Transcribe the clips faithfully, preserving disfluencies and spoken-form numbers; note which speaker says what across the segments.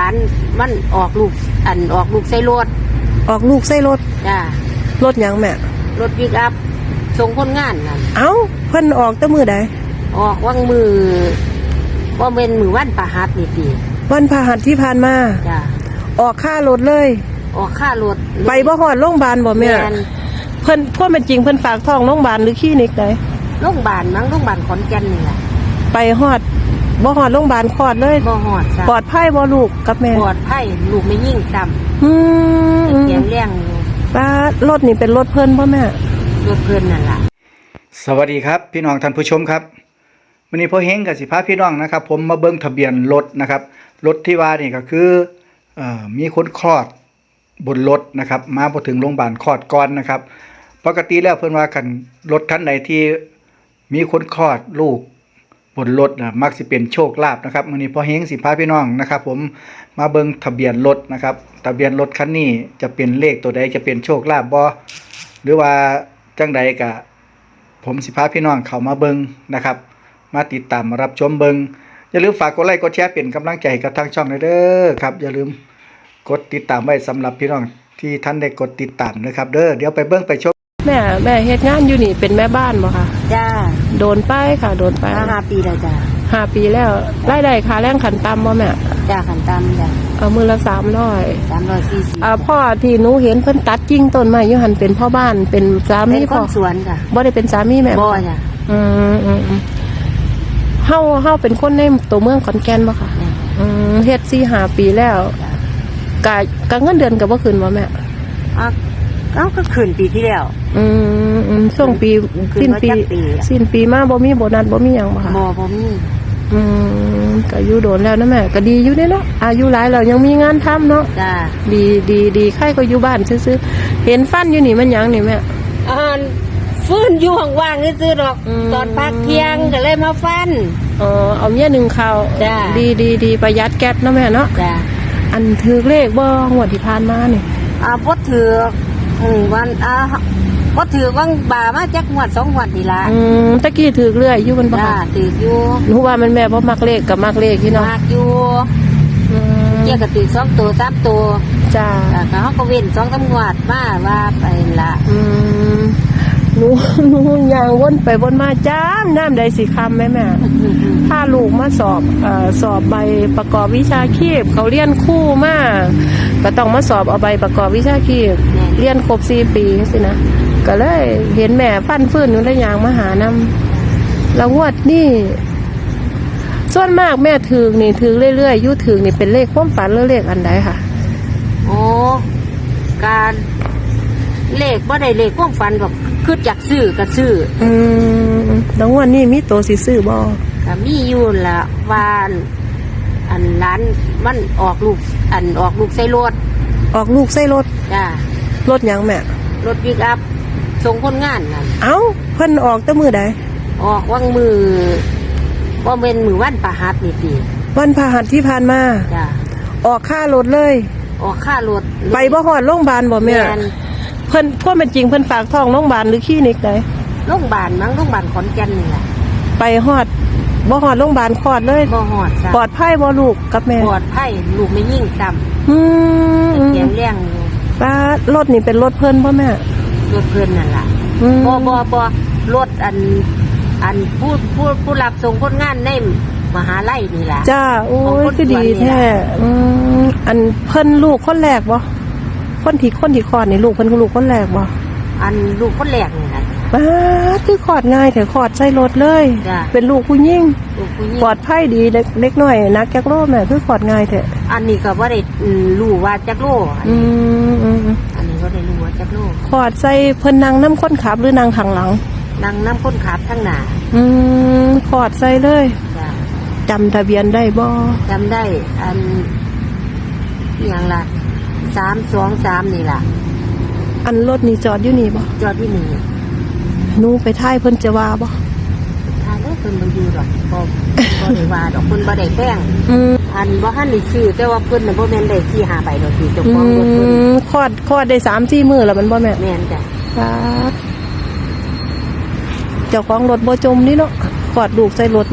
Speaker 1: านมันออกลูกอันออกลูกใส่รถ
Speaker 2: ออกลูกใส่รถ
Speaker 1: จ้
Speaker 2: ารถหยังแม่
Speaker 1: รถปิกอัพส่งคนงานน่ะ
Speaker 2: เอ้าเพิ่นออกแต่มื้อใด
Speaker 1: ออกวังมือบ่แม่นมื้อวันพฤหัสนี่ติ
Speaker 2: วันพฤหัสที่ผ่านมา
Speaker 1: จ้า
Speaker 2: ออกค่ารถเลย
Speaker 1: ออกค่ารถ
Speaker 2: ไปบ่ฮอดโรงพยาบาลบ่แม่เพิ่นพวกมันจริงเพิ่นฝากท้องโรงพยาบาลหรือคลินิกใด
Speaker 1: โรงพยาบาลมั้งโรงพยาบาลขอนแก่นนี่แหละ
Speaker 2: ไปฮอดบ่ฮอดโรงพยาบาลคลอดเลย
Speaker 1: บ่ฮอดจ้ะ
Speaker 2: ปลอดภัยบ่ลูกกับแม่
Speaker 1: ปลอดภัยลูกไม่ยิ่งซ้ำ
Speaker 2: อืม
Speaker 1: แข็งแรงอยู่
Speaker 2: ป้ารถนี่เป็นรถเพิ่นบ่แม่
Speaker 1: รถเพิ่นนั่นล่ะ
Speaker 3: สวัสดีครับพี่น้องท่านผู้ชมครับวันนี้พ่อเฮงกับสิพาพี่น้องนะครับผมมาเบิ่งทะเบียนรถนะครับรถที่ว่านี่ก็คือเอ่อมีคนคลอดบนรถนะครับมาพอถึงโรงพยาบาลคลอดก่อนนะครับปกติแล้วเพิ่นว่าคันรถคันใดที่มีคนคลอดลูกบนรถนะมักสิเป็นโชคลาภนะครับวันนี้พ่อเฮงสิพาพี่น้องนะครับผมมาเบิ่งทะเบียนรถนะครับทะเบียนรถคันนี้จะเป็นเลขตัวใดจะเป็นโชคลาภบ่หรือว่าจังใดก็ผมสิพาพี่น้องเข้ามาเบิ่งนะครับมาติดตามมารับชมเบิ่งอย่าลืมฝากกดไลค์กดแชร์เป็นกำลังใจกับทางช่องเด้อครับอย่าลืมกดติดตามไว้สำหรับพี่น้องที่ท่านได้กดติดตามนะครับเด้อเดี๋ยวไปเบิ่งไปชม
Speaker 2: แม่แม่เฮ็ดงานอยู่นี่เป็นแม่บ้านบ่คะ
Speaker 1: จ้า
Speaker 2: โดนไปค่ะโดนไป
Speaker 1: ห้าปีแล้วจ้า
Speaker 2: ห้าปีแล้วรายได้ค่าแรงขั้นต่ำบ่แม่
Speaker 1: จ้าขั้นต่ำจ้า
Speaker 2: เอามื้อละสามร้อย
Speaker 1: สามร้อยสี่สิบ
Speaker 2: อ่าพ่อที่หนูเห็นเพิ่นตัดกิ่งต้นไม้อยู่หั่นเป็นพ่อบ้านเป็นสามี
Speaker 1: พ่อเป็นคนสวนจ้ะ
Speaker 2: บ่ได้เป็นสามีแม่
Speaker 1: บ่จ้ะ
Speaker 2: อืมๆเฮาเฮาเป็นคนในตัวเมืองขอนแก่นบ่ค่ะอืมเฮ็ด สี่ห้า ปีแล้วกะกะเงินเดือนก็บ่ขึ้นบ่แม่
Speaker 1: อ่ะเอ้าก็ขึ้นปีที่แล้ว
Speaker 2: อืมอืมช่วงปีสิ้นปีสิ้นปีมาบ่มีโบนัสบ่มีหยังบ่ค่ะ
Speaker 1: บ่บ่มี
Speaker 2: อืมก็อยู่โดนแล้วนะแม่ก็ดีอยู่เด้เนาะอายุหลายแล้วยังมีงานทำเนาะ
Speaker 1: จ้า
Speaker 2: ดีดีดีใครก็อยู่บ้านซื่อๆเห็นฟันอยู่นี่มันหยังนี่แม่
Speaker 1: อ่าฟื้นอยู่ว่างๆซื่อๆดอกตอนพักเที่ยงก็เลยมาฟัน
Speaker 2: อ๋อเอาเมียหนึ่งข้าว
Speaker 1: จ้า
Speaker 2: ดีดีดีประหยัดแก๊สเนาะแม่เนาะ
Speaker 1: จ้า
Speaker 2: อันถือเลขบ่งวดที่ผ่านมานี่
Speaker 1: อ่าบ่ถืออืมวันอ่าบ่ถือวังบ่ามาจักงวดสองงวดนี่ล่ะ
Speaker 2: อืมตะกี้ถือเรื่อยอยู่มันบ่
Speaker 1: จ้าถืออยู่
Speaker 2: หนูว่ามันแม่บ่มักเลขกับมักเลขที่เนาะ
Speaker 1: มักอยู่อืมเกี่ยก็ถือสองตัวสามตัว
Speaker 2: จ้า
Speaker 1: แล้วก็เฮาก็เว้นสองสามงวดมาว่าไปล่ะ
Speaker 2: อืมหนูหนูย่างวนไปวนมาจ้ามน้ำใดสิคำแม่แม่ถ้าลูกมาสอบเอ่อสอบใบประกอบวิชาชีพเขาเรียนคู่มาก็ต้องมาสอบเอาใบประกอบวิชาชีพเรียนครบสี่ปีสินะก็เลยเห็นแม่ฟันฟื้นอยู่ได้ยางมาหานำแล้วงวดนี่ส่วนมากแม่ถือนี่ถือเรื่อยๆยู่ถือนี่เป็นเลขความฝันหรือเลขอันใดค่ะ
Speaker 1: โอ้การเลขบ่ได้เลขความฝันแบบคือจากซื้อก็ซื้อ
Speaker 2: อืมแล้วงวดนี้มีโตสิซื้อบ่
Speaker 1: ก็มีอยู่ละว่าอันร้านมันออกลูกอันออกลูกใส่รถ
Speaker 2: ออกลูกใส่รถ
Speaker 1: จ้
Speaker 2: ารถหยังแม่
Speaker 1: รถปิกอัพส่งคนงานน่ะ
Speaker 2: เอ้าเพิ่นออกแต่มื้อใด
Speaker 1: ออกวังมือบ่แม่นมื้อวันพฤหัสนี่ติ
Speaker 2: วันพฤหัสที่ผ่านมา
Speaker 1: จ้า
Speaker 2: ออกค่ารถเลย
Speaker 1: ออกค่ารถ
Speaker 2: ไปบ่ฮอดโรงพยาบาลบ่แม่เพิ่นพวกมันจริงเพิ่นฝากท้องโรงพยาบาลหรือคลินิกใด
Speaker 1: โรงพยาบาลมั้งโรงพยาบาลขอนแก่นนี่แหละ
Speaker 2: ไปฮอดบ่ฮอดโรงพยาบาลคลอดเลย
Speaker 1: บ่ฮอดจ้ะ
Speaker 2: ปลอดภัยบ่ลูกกับแม่
Speaker 1: ปลอดภัยลูกไม่ยิ่งซ้ำ
Speaker 2: อืม
Speaker 1: แข็งแรงอยู่
Speaker 2: ป้ารถนี่เป็นรถเพิ่นบ่แม่
Speaker 1: รถเพิ่นนั่นล่ะบ่บ่บ่รถอันอันผู้ผู้ผู้รับส่งคนงานในมหาลัยนี่ล่ะ
Speaker 2: จ้าโอ้ยคือดีแท้อืมอันเพิ่นลูกคนแรกบ่คนที่คนที่คลอดนี่ลูกเพิ่นคือลูกคนแรกบ่
Speaker 1: อันลูกคนแรกนี่ล่ะ
Speaker 2: ป้าคือคลอดง่ายแต่คลอดใส่รถเลยเป็นลูกผู้หญิงปลอดภัยดีเล็กน้อยนักจักโลแม่คือคลอดง่ายแท้
Speaker 1: อันนี้ก็บ่ได้รู้ว่าจักโล
Speaker 2: อืม
Speaker 1: อันนี้บ่ได้รู้ว่าจักโล
Speaker 2: คลอดใส่เพิ่นนั่งนำคนขับหรือนั่งข้างหลัง
Speaker 1: นั่งนำคนขับข้างหน้า
Speaker 2: อืมคลอดใส่เลยจ้ะจำทะเบียนได้บ่
Speaker 1: จำได้อันอีหยังล่ะสามสองสามนี่ล่ะ
Speaker 2: อันรถนี่จอดอยู่นี่บ่
Speaker 1: จอดที่นี่
Speaker 2: หนูไปท่ายเพิ่นจะว่าบ่
Speaker 1: ท่ายแล้วเพิ่นบ่อยู่ดอกบ่บ่ได้ว่าดอกเพิ่นบ่ได้แป้งอืมอันบ่ทันได้ซื้อแต่ว่าเพิ่นน่ะบ่แม่นได้ที่หาใบดอกที่เจ้าของรถเพิ่น
Speaker 2: คลอดคลอดได้ สามสี่ มื้อแล้วมันบ่แม่
Speaker 1: แม่นจ้ะ
Speaker 2: ครับเจ้าของรถบ่จมนี่เนาะคลอดลูกใส่รถนี่ค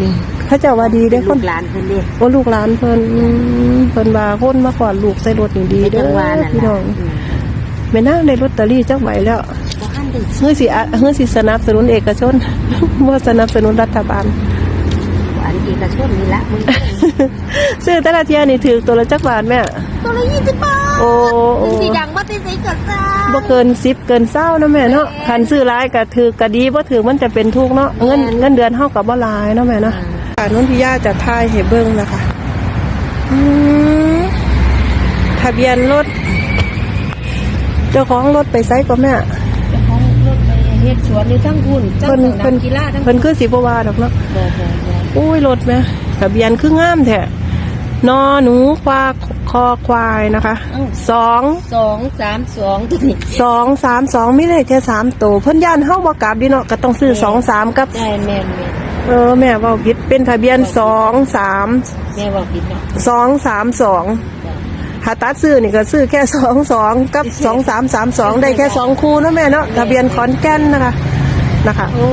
Speaker 2: เขาเจ้าว่าดีเด้อค
Speaker 1: ลู
Speaker 2: น
Speaker 1: กหลานเพิ่นเด้
Speaker 2: โอ้ลูกหลานเพิ่นอืมเพิ่นว่าคนมาขอลูกใส่รถนี่ดีเด้
Speaker 1: จังหวะ
Speaker 2: อ
Speaker 1: นั่น
Speaker 2: พี่น้
Speaker 1: ล่ะ
Speaker 2: องแม่นางได้ลอตเตอรี่จักใบแล้ว
Speaker 1: บ่ทันได้
Speaker 2: เฮือสิอะเฮือสิสนับสนุนเอกชน บ่สนับสนุนรัฐบาล
Speaker 1: อันเอกชนนี่ละมึง
Speaker 2: ซื้อแต่ละเที่ยนี่ถือตัวละจักบาทแม่
Speaker 1: ตัวละยี่สิบบาท
Speaker 2: โอ้โอ้
Speaker 1: สีดังบ่ได้ใส่กระซ่า
Speaker 2: บ่เกินสิบเกินเศร้านะแม่เนาะคันซื้อหลายก็ถือก็ดีบ่ถือมันจะเป็นทุกข์เนาะเงินเงินเดือนเฮาก็บ่หลายเนาะแม่เนาะค่ะนนทิยาจะทายให้เบิ่งนะคะอืมทะเบียนรถเจ้าของรถไปไสก็แม่
Speaker 1: เจ้าของรถไปเฮ็ดสวนอยู่ทั้งคุณทั้ง
Speaker 2: เพิ่น
Speaker 1: สนา
Speaker 2: เพิ่
Speaker 1: ม
Speaker 2: น
Speaker 1: กีฬาทั้ง
Speaker 2: เพิ่นคือสิบ่ว่าดอกเนาะ
Speaker 1: บ่บ่บ่
Speaker 2: อุ้ยรถแม่ทะเบียนคืองามแท้นอหนูควาคอควายนะคะสอง
Speaker 1: สองสามสองตัวนี้
Speaker 2: สองสามสองมีเลขแค่สามตัวเพิ่นย่านเฮาบ่กลับดิเนาะก็ต้องซื้อสองสามกับ
Speaker 1: ได้แม่นแม่น
Speaker 2: เออแม่เว้าผิดเป็นทะเบียนสองสาม
Speaker 1: แม่ว่าผิดเนาะ
Speaker 2: สองสามสองถ้าตัดซื้อนี่ก็ซื้อแค่สองสองกับสองสามสามสองได้แค่สองคู่เนาะแม่เนาะทะเบียนขอนแก่นนะคะนะคะโอ้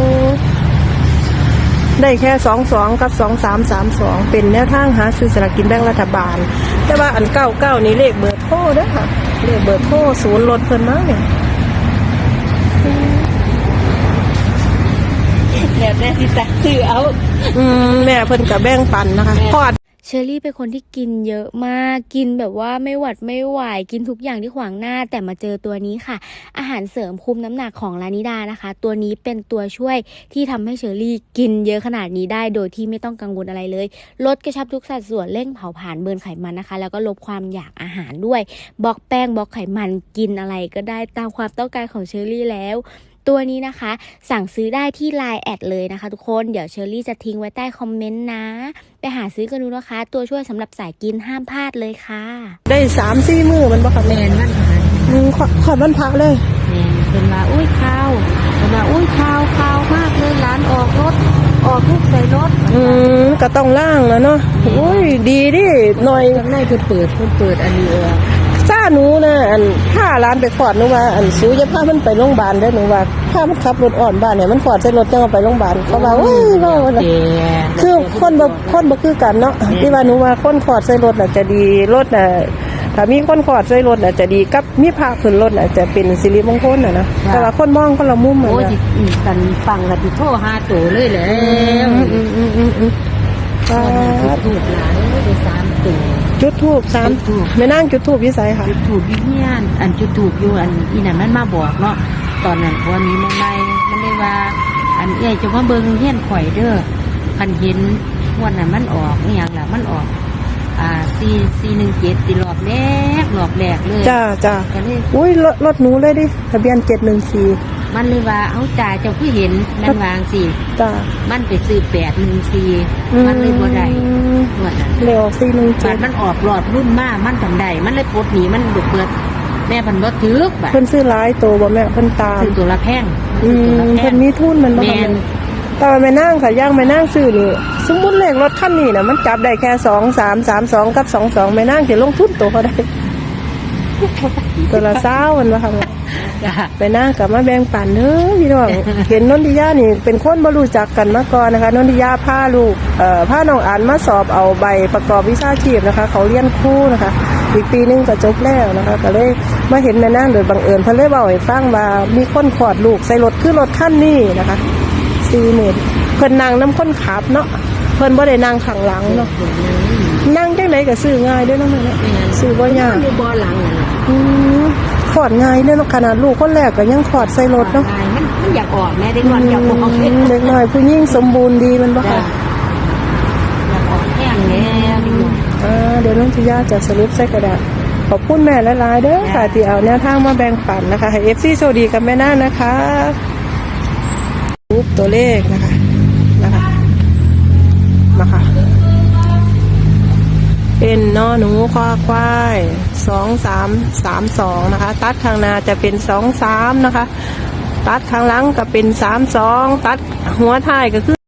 Speaker 2: ได้แค่สองสองกับสองสามสามสองเป็นแนวทางหาซื้อสลากกินแบ่งรัฐบาล แต่ว่าอันเก้าเก้านี่เลขเบอร์โทรเด้อค่ะเลขเบอร์โทรศูนย์รถเพิ่นมาเนี่ย
Speaker 1: แล้วแต่สิตัดซื้อเอา
Speaker 2: อืมแม่เพิ่นกับแบ่งปันนะคะพอด
Speaker 4: เชอรี่เป็นคนที่กินเยอะมากกินแบบว่าไม่หวัดไม่ไหวกินทุกอย่างที่ขวางหน้าแต่มาเจอตัวนี้ค่ะอาหารเสริมคุมน้ำหนักของลานิดานะคะตัวนี้เป็นตัวช่วยที่ทำให้เชอรี่กินเยอะขนาดนี้ได้โดยที่ไม่ต้องกังวลอะไรเลยลดกระชับทุกสัดส่วนเร่งเผาผลาญเบิร์นไขมันนะคะแล้วก็ลดความอยากอาหารด้วยบล็อกแป้งบล็อกไขมันกินอะไรก็ได้ตามความต้องการของเชอรี่แล้วตัวนี้นะคะสั่งซื้อได้ที่ ไลน์ แอดเลยนะคะทุกคนเดี๋ยวเชอรี่จะทิ้งไว้ใต้คอมเมนต์นะไปหาซื้อกันดูนะคะตัวช่วยสำหรับสายกินห้ามพลาดเลยค่ะ
Speaker 2: ได้สามสี่มือมันบ่ค่ะ
Speaker 1: แม่
Speaker 2: แม่
Speaker 1: นมันหา
Speaker 2: อืมขอขอดวันพระเลย
Speaker 1: แม่นเพิ่นว่าอุ้ยข้าวเพิ่นว่าอุ้ยข้าวข้าวมากเลยร้านออกรถออกทุกใส่รถ
Speaker 2: อืมก็ต้องล่างแล้วเนาะโอ้ยดีดิหน่อย
Speaker 1: ข้างในเพิ่นเปิดเพิ่นเปิดอันนี้เออ
Speaker 2: ซ่าหนูนะอันถ้าร้านไปขอดหนูว่าอันสูจะพามันไปโรงพยาบาลได้อหนูว่าถ้ามันขับรถอ่อนบ้านเนี่ยมันขอดใส่รถจังเอาไปโรงพยาบาลเขาว่าเว้ยว่าว่า
Speaker 1: เจ๊
Speaker 2: คือคนบ่คนบ่คือกันเนาะที่ว่าหนูว่าคนขอดใส่รถน่ะจะดีรถน่ะถ้ามีคนขอดใส่รถน่ะจะดีกับมีพาขึ้นรถน่ะจะเป็นสิริมงคลน่ะนะแต่ว่าคนมองคนละมุมอ่ะ
Speaker 1: โอ้ย
Speaker 2: นะ
Speaker 1: สิกันฟังแล้วสิโทรหาโตเลยแหล้ว
Speaker 2: อืมอืมอืมอืม
Speaker 1: ตอนนี้ถูกหลายได้สามตัว
Speaker 2: จุดทูบสาม
Speaker 1: จุดธูป
Speaker 2: ไม่นั่งจุดทูบวิสัยค่ะ
Speaker 1: จุดถูกอยู่เฮียนอันจุดถูกอยู่อันอีนั่นมันมาบอกเนาะตอนนั้นวันนี้ใหม่ๆมันเลยว่า อันเอ้ยจะมาเบิ่งเฮียนข่อยเด้อคันเห็นวันนั้นมันออกอีหยังล่ะมันออก อ่าสี่สี่หนึ่งเจ็ดตีรอบแรกรอบแรกเลย
Speaker 2: จ้าจ้า
Speaker 1: ก็เลย
Speaker 2: อุ้ยรถรถหนูเลยดิทะเบียนเจ็ดหนึ่งสี่
Speaker 1: มันเลยว่าเอาจ่าเจ้าคือเห็นมันวางสิ
Speaker 2: จ้า
Speaker 1: มันไปซื้อแปดหนึ่งสี่มันเลยบ่ได้งวดนั้น
Speaker 2: เร็วสี่หนึ่ง
Speaker 1: บา
Speaker 2: เจ็
Speaker 1: ด
Speaker 2: ด
Speaker 1: มันออกรอบรุ่นมากมันทำได้มันเลยปลดหนีมันดุเปิดแม่พันรถถือกบาด
Speaker 2: เพิ่นซื้อหลายตัวบ่แม่เพิ่นตาม
Speaker 1: ซื้อตัวละแพง
Speaker 2: อื
Speaker 1: ซื้อตัว
Speaker 2: ม
Speaker 1: ละแพ
Speaker 2: เพิ่
Speaker 1: ง
Speaker 2: นมีทุนมันบ่
Speaker 1: แม่
Speaker 2: ค่ะ
Speaker 1: น
Speaker 2: แต่ว่าแม่นั่งค่ะย่างแม่นั่งซื้อนี่สมมุติเลขรถคันนี้น่ะมันจับได้แค่สองสามสามสองกับสองสองแม่นั่งสิลงทุนตัวเขาได้ ตัวละเศร้ามันว่าค่ะแม่
Speaker 1: จ้ะ
Speaker 2: ไปนั่งกับมาแบ่งปันเด้อพี่น้อง เห็นนนทิยานี่เป็นคนบ่รู้จักกันมาก่อนนะคะนนทิยาพาลูกเอ่อพาน้องอ่านมาสอบเอาใบประกอบวิชาชีพนะคะ เขาเรียนครูนะคะ อีกปีหนึงก็จบแล้วนะคะก็เลยมาเห็นแม่นางโดยบังเอิญเพิ่นเลยเว้าให้ฟังว่ามีคนขอดลูกใส่รถคือรถคันนี้นะคะสี่หมื่นเพิ่นนั่งน้ำคนขับเนาะเพิ่นบ่ได้นั่งข้างหลังเนาะนั่งจังไดก็ซื้อง่ายเด้อเนาะแม่เนาะซื้อบ่ยาก
Speaker 1: อยู่บ่อหลังนั่นล่ะ
Speaker 2: อืมขอดง่ายเด้อเนาะขนาดลูกคนแรกก็ยังขอดใส่รถเนาะ
Speaker 1: มันมันอยากออกแม่ได้ก่อนอยากออก
Speaker 2: อืมเด็กน้อยผู้หญิงสมบูรณ์ดีมันบ่
Speaker 1: จ้ะ
Speaker 2: ค่ะ
Speaker 1: อยากออกแห้งแล้วนี่
Speaker 2: อ่าเดี๋ยวน้องทิยาจะสรุปใส่กระดาษขอบคุณแม่หลายๆเด้อค่ะที่เอาแนวทางมาแบ่งปันนะคะให้ เอฟ ซี โชคดีกับแม่น้านะคะรูปตัวเลขนะคะนะคะมาค่ะเป็นนอหนูควาควายสองสามสามสองนะคะตัดข้างหน้าจะเป็นสองสามนะคะตัดข้างหลังก็เป็นสามสองตัดหัวท้ายก็คือ